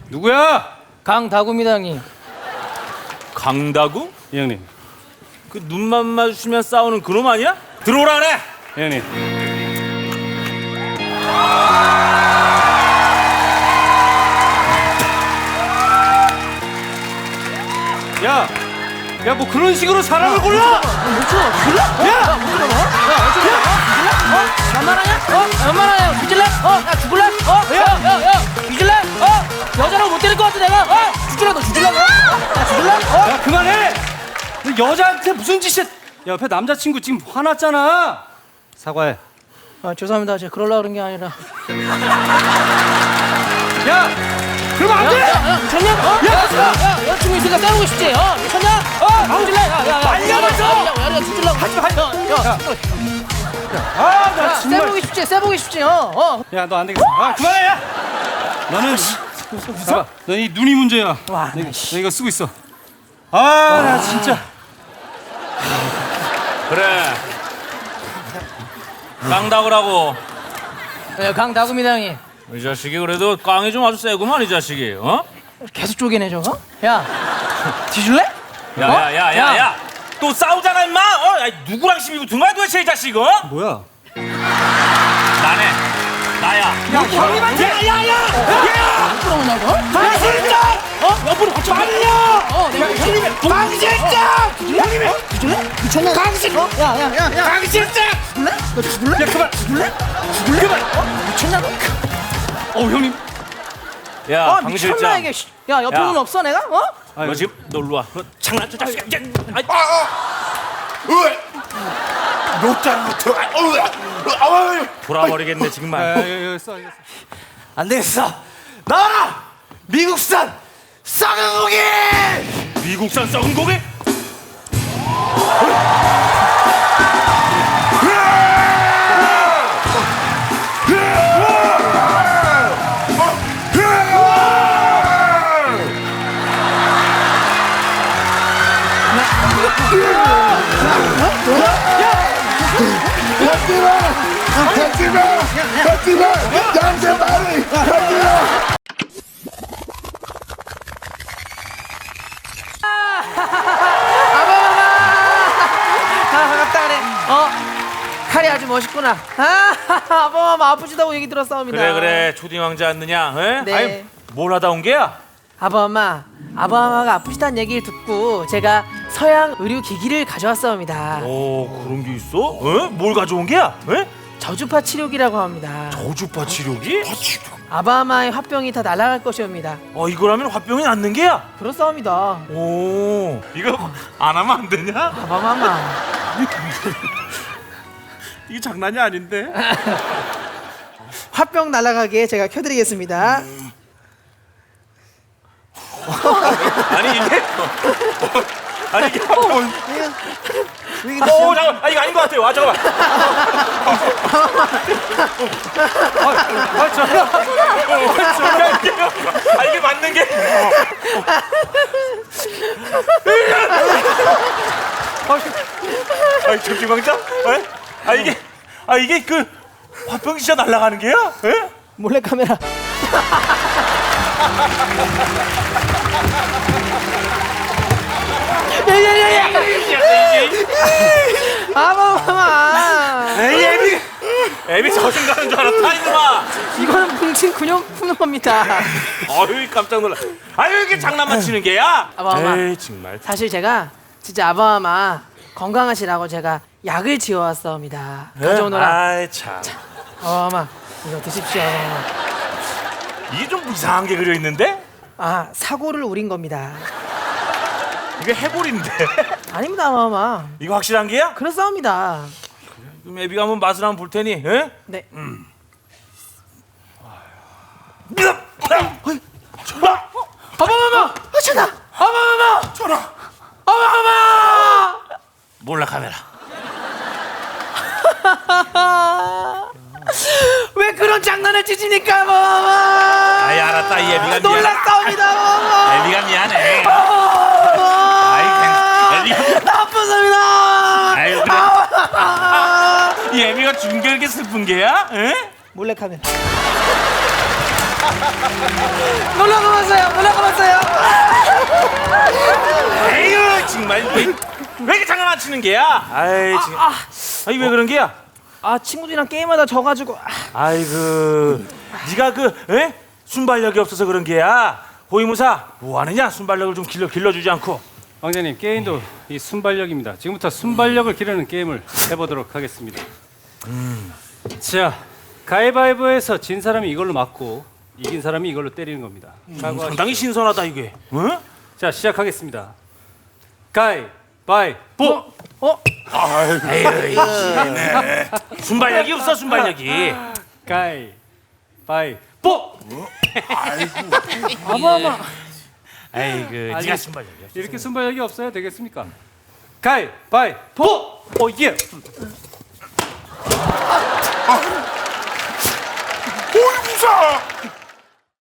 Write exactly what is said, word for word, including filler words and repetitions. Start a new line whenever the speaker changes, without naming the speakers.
누구야?
강다구입니다 형님.
강다구?
예, 형님.
그 눈만 마주치면 싸우는 그놈 아니야? 들어오라 그래.
예, 형님. 야, 야, 뭐 그런 식으로 사람을 골라?
못 죽어. 죽을래? 야! 못 죽어. 야, 어쩌래? 죽을래? 어? 만만하냐? 어? 만만하냐? 뒤질래? 어? 야, 죽을래? 어? 야, 야, 야! 뒤질래? 어? 여자라고 못 때릴 것 같아, 내가? 어? 죽질래? 너 죽질래? 야, 죽을래? 어?
야, 그만해! 너 여자한테 무슨 짓이야? 야, 옆에 남자친구 지금 화났잖아. 사과해.
아, 죄송합니다. 제가 그러려고 그런 게 아니라.
야, 그러면 안
야,
돼!
야, 야, 미쳤냐? 어? 야, 야, 야, 여자친구 있으니까 싸우고 싶지? 어? 미쳤냐? 어? 죽질래? 야, 야, 야.
말려버려!
야, 야, 야, 죽질라고. 하지 마, 하지 마. 야,
아, 나
야,
정말.
쎄보기 쉽지? 쎄보기 쉽지? 어? 어?
야, 너 안 되겠어. 아, 그만해! 야! 너는 봐봐, 너이 눈이 문제야.
와,
너, 이거- 너 이거 쓰고 있어. 아, 나 진짜.
그래. 강다구라고.
야, 강다구입니다 형님.
이 자식이 그래도 깡이 좀 아주 세구만 이 자식이. 어?
계속 쪼개내 저거? 야, 뒤질래?
야야야야야. 또 싸우잖아 임마. 어? 야, 누구랑 시비 붙은 거야 도대체 이 자식? 어?
뭐야?
나네. 나야.
야, 형님한테!
야! 부끄러우냐 이거?
당신장!
어? 옆으로 받쳐 말려! 어, 내가 형님의
당신장! 형님의
죽을래? 미쳤냐?
당신!
어? 야, 야, 야, 야!
당신장!
죽을래? 너 죽을래?
야, 그만!
죽을래? 죽을래? 그만! 어? 미쳤냐 너?
어, 형님.
야,
아,
강
미쳤나
실장.
이게? 씨. 야, 옆에
야.
눈 없어 내가? 어?
너 지금 너 일로 와. 너 장난쳐 자식아. 야, 아이,
노장부터
돌아버리겠네
야,
정말.
야, 야, 야, 써, 이거 써.
안 되겠어. 나와라. 미국산 썩은 고기.
미국산 썩은 고기?
하지마. 하지마. 하지마. 양세 말이. 하지마.
아, 반갑다 그래. 어? 칼이 아주 멋있구나. 아, 아범아 아프시다고 얘기 들었사옵니다.
그래 그래 초딩 왕자 왔느냐? 에?
네.
아니 뭘 하다 온 게야?
아범아, 아범아가 아프시다는 얘기를 듣고 제가 서양 의료 기기를 가져왔사옵니다.
오 그런 게 있어? 에? 뭘 가져온 게야? 에?
저주파 치료기라고 합니다.
저주파 치료기?
아바마의 화병이 다 날아갈 것이옵니다.
어 이거라면 화병이 낫는 게야?
그렇사옵니다.
오 이거 안 하면 안 되냐?
아바마마.
이게 장난이 아닌데?
화병 날아가게 제가 켜드리겠습니다.
아니 이게 아니 이게 화병 오 잠깐 아 이거 아닌 것 같아요. 아 잠깐만.
아, 저,
아 이게 맞는 게? 아 초딩 왕자? 에? 아 이게 아 이게 그 화병이 진짜 날아가는 게야? 에?
몰래 카메라. 아바마마.
에이 애비 애비 저승 가는 줄 알았다 이놈아.
이거는 뭉친 근육 푸는 겁니다.
어휴 깜짝 놀라. 아유 이게 장난만 치는 게야?
아바마.
에이 정말.
사실 제가 진짜 아바마마 건강하시라고 제가 약을 지어왔사옵니다. 가져오너라.
아이 참.
아바마 이거 드십시오. 아바마.
이게 좀 이상한 게 그려 있는데?
아 사고를 우린 겁니다.
이게 해골인데.
아닙니다 아바마.
이거 확실한 게야?
그렇사옵니다.
그럼 애비가 한번 맛을 한번 볼 테니. 에?
네. 아바마마. 아차다. 아바마마.
전화.
아바마마.
몰라 카메라.
왜 그런 장난을 치십니까 아바마마.
아이 알았다 이 애비가 미안.
놀랐사옵니다 아바마마.
애비가 미안해.
아바마마.
아이 애비가
나쁘습니다.
아유 그래. 이 애비가 죽은 게 이렇게 슬픈 게야? 에?
몰래 카메라. 놀라고 마세요.
치는 게야? 아이 지금. 아이 왜 그런 게야?
아 친구들이랑 게임하다 져가지고. 아,
아이고, 네가 그 에? 순발력이 없어서 그런 게야. 호위무사 뭐 하느냐? 순발력을 좀 길러 길러주지 않고.
왕자님 게임도 이 순발력입니다. 지금부터 순발력을 기르는 게임을 해보도록 하겠습니다. 자, 가위바위보에서 진 사람이 이걸로 맞고 이긴 사람이 이걸로 때리는 겁니다. 각오하십시오.
상당히 신선하다 이게. 응?
자, 시작하겠습니다. 가위바위보.
어?
순발력이 없어 순발력이.
가위바위보.
아마마.
아이고,
아니,
네가 순발력이야.
이렇게 순발력이 없어야 되겠습니까? 가위바위보. 오 예.
호위무사